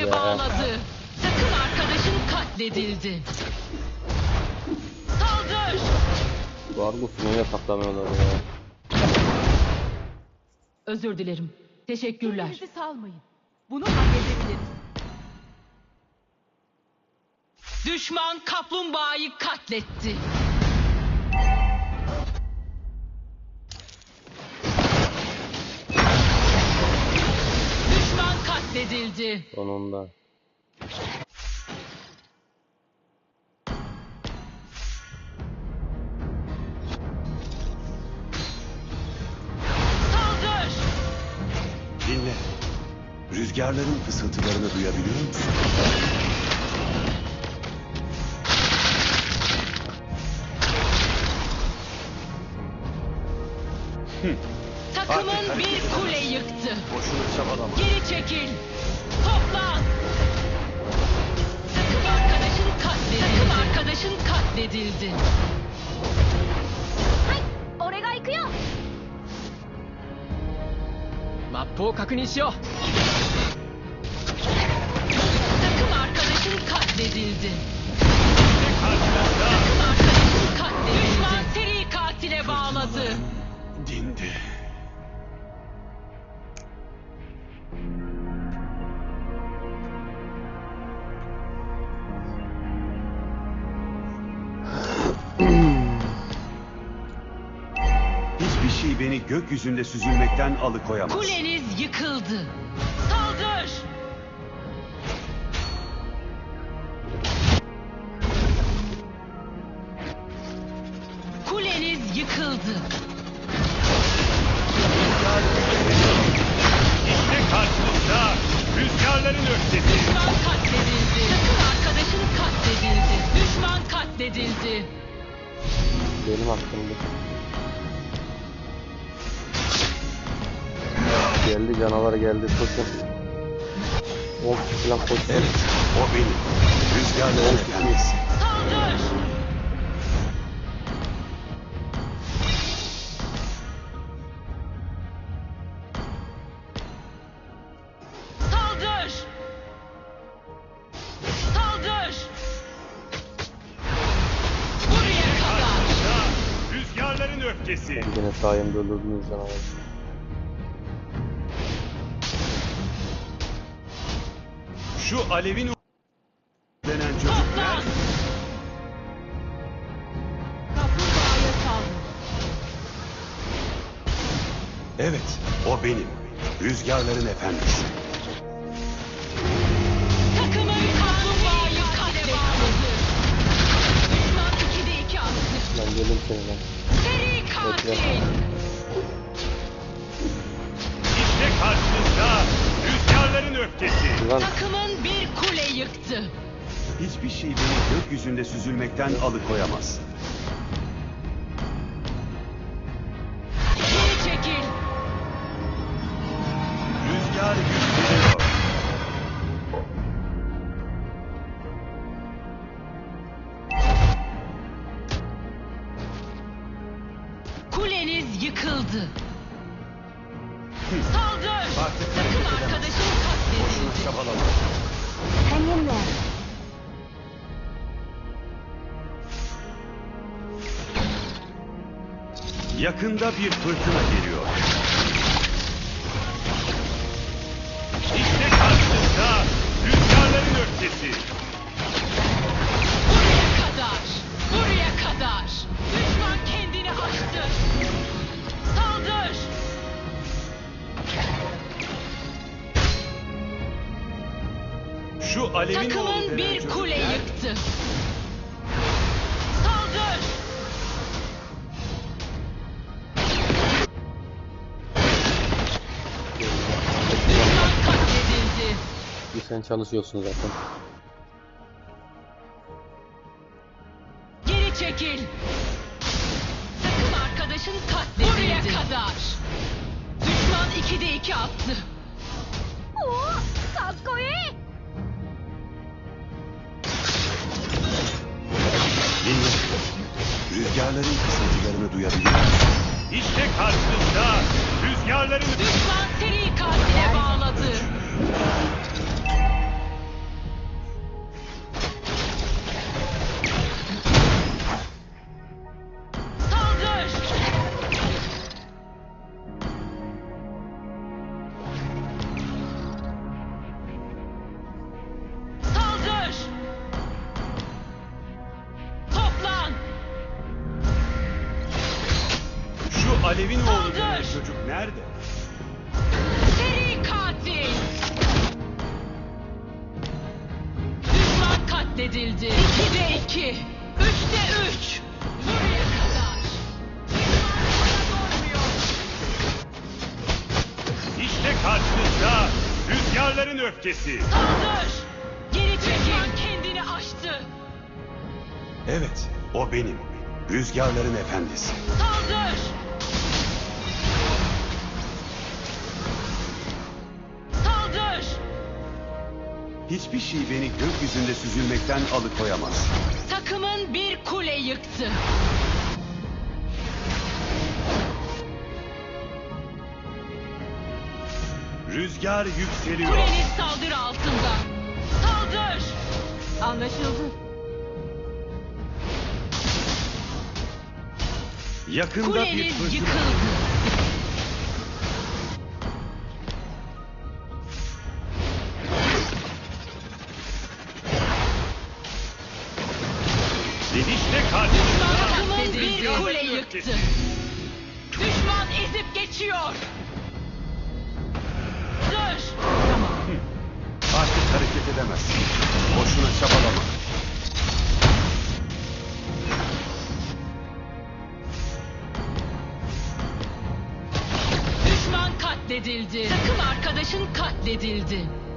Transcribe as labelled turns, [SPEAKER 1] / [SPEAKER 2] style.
[SPEAKER 1] ya.
[SPEAKER 2] Bağladı. Takım arkadaşın katledildi. Saldır.
[SPEAKER 1] Vargus'un öyle saklanıyorlar ya.
[SPEAKER 2] Özür dilerim. Teşekkürler.
[SPEAKER 3] Kendinizi salmayın. Bunu halledebiliriz.
[SPEAKER 2] Düşman kaplumbağayı katletti. Düşman katledildi.
[SPEAKER 1] Sonunda.
[SPEAKER 2] Saldır.
[SPEAKER 4] Dinle. Rüzgarların fısıltılarını duyabiliyor musun?
[SPEAKER 2] Takımın
[SPEAKER 4] Artık hareket
[SPEAKER 2] bir kule yıktı.
[SPEAKER 4] Boşuna çabalama.
[SPEAKER 2] Geri çekil. Toplan. Takım arkadaşın katledildi.
[SPEAKER 3] 俺が行くよ。
[SPEAKER 5] マップを確認しよう。
[SPEAKER 2] Takım arkadaşın katledildi. Takım arkadaşın katledildi. Düşman seri katile bağladı.
[SPEAKER 4] Dindi. Hiçbir şey beni gökyüzünde süzülmekten alıkoyamaz.
[SPEAKER 2] Kuleniz yıkıldı. Saldır. Kuleniz yıkıldı.
[SPEAKER 4] İşte karşınızda rüzgarların öfkesi.
[SPEAKER 2] Düşman katledildi. Takım arkadaşın katledildi. Düşman katledildi.
[SPEAKER 1] Benim hakkımda. Geldi canavar geldi. Koşun. 10 kişi falan koşun.
[SPEAKER 4] Evet, o benim. Rüzgarların efendisi.
[SPEAKER 2] Saldır. Saldır. Saldır. Buraya kadar.
[SPEAKER 4] Rüzgarların öfkesi.
[SPEAKER 1] Yine sayemde öldürdünüz canavarı.
[SPEAKER 4] Şu alevin denen çocuk
[SPEAKER 2] Toplan.
[SPEAKER 4] nerede?
[SPEAKER 3] Kaplumbağaya saldır.
[SPEAKER 4] Evet, o benim. Rüzgarların efendisi.
[SPEAKER 2] Takımın kaplumbağayı katledildi. Düşman 2'de 2 attı.
[SPEAKER 1] Lan gelin seninle.
[SPEAKER 2] Seri katil.
[SPEAKER 4] İşte karşınızda rüzgarların öfkesi.
[SPEAKER 1] Lan
[SPEAKER 2] Takımın bir kule yıktı.
[SPEAKER 4] Hiçbir şey beni gökyüzünde süzülmekten alıkoyamaz.
[SPEAKER 2] Geri çekil.
[SPEAKER 4] Rüzgar yükseliyor.
[SPEAKER 2] Kuleniz yıkıldı. Saldır.
[SPEAKER 4] Artık
[SPEAKER 2] Takım
[SPEAKER 4] hareket edemez.
[SPEAKER 2] arkadaşın
[SPEAKER 4] Boşuna
[SPEAKER 2] katledildi.
[SPEAKER 4] çabalama.
[SPEAKER 3] Hang in there.
[SPEAKER 4] Yakında bir fırtına geliyor. İşte karşınızda rüzgarların öfkesi.
[SPEAKER 2] Buraya kadar. Buraya kadar. Düşman kendini aştı. Saldır.
[SPEAKER 4] Şu alevin oğlu
[SPEAKER 2] Takımın
[SPEAKER 4] denen
[SPEAKER 2] bir
[SPEAKER 4] çocuk
[SPEAKER 2] kule
[SPEAKER 4] nerede?
[SPEAKER 2] yıktı. Saldır. Düşman katledildi.
[SPEAKER 1] bir sen çalışıyorsun zaten.
[SPEAKER 2] Geri çekil. Takım arkadaşın katledildi. Buraya kadar. Düşman 2'de 2 attı.
[SPEAKER 3] おお、かっこいい。
[SPEAKER 4] Dinle. Rüzgarların fısıltılarını duyabiliyor musun? İşte karşınızda rüzgarların...
[SPEAKER 2] Düşman seri katile bağladı.
[SPEAKER 4] Alev'in oğlu denen
[SPEAKER 2] Saldır!
[SPEAKER 4] çocuk nerede?
[SPEAKER 2] Seri katil! Düşman katledildi. 2'de 2. 3'te 3. Buraya kadar. Düşman bana durmuyor.
[SPEAKER 4] İşte karşınızda rüzgarların öfkesi.
[SPEAKER 2] Saldır! Geri çekil. Düşman kendini aştı.
[SPEAKER 4] Evet, o benim. Rüzgarların efendisi.
[SPEAKER 2] Saldır! Saldır!
[SPEAKER 4] Hiçbir şey beni gökyüzünde süzülmekten alıkoyamaz.
[SPEAKER 2] Takımın bir kule yıktı.
[SPEAKER 4] Rüzgar yükseliyor.
[SPEAKER 2] Kuleniz saldırı altında. Saldır!
[SPEAKER 3] Anlaşıldı.
[SPEAKER 4] Yakında bir
[SPEAKER 2] Kuleniz
[SPEAKER 4] fırtına.
[SPEAKER 2] yıkıldı.
[SPEAKER 4] Ve işte karşınızda
[SPEAKER 2] Takımın bir
[SPEAKER 4] rüzgarların
[SPEAKER 2] kule
[SPEAKER 4] öfkesi.
[SPEAKER 2] yıktı. Düşman ezip geçiyor. Dur!
[SPEAKER 4] Artık hareket edemezsin. Boşuna çabalama.
[SPEAKER 2] Düşman katledildi. Takım arkadaşın katledildi.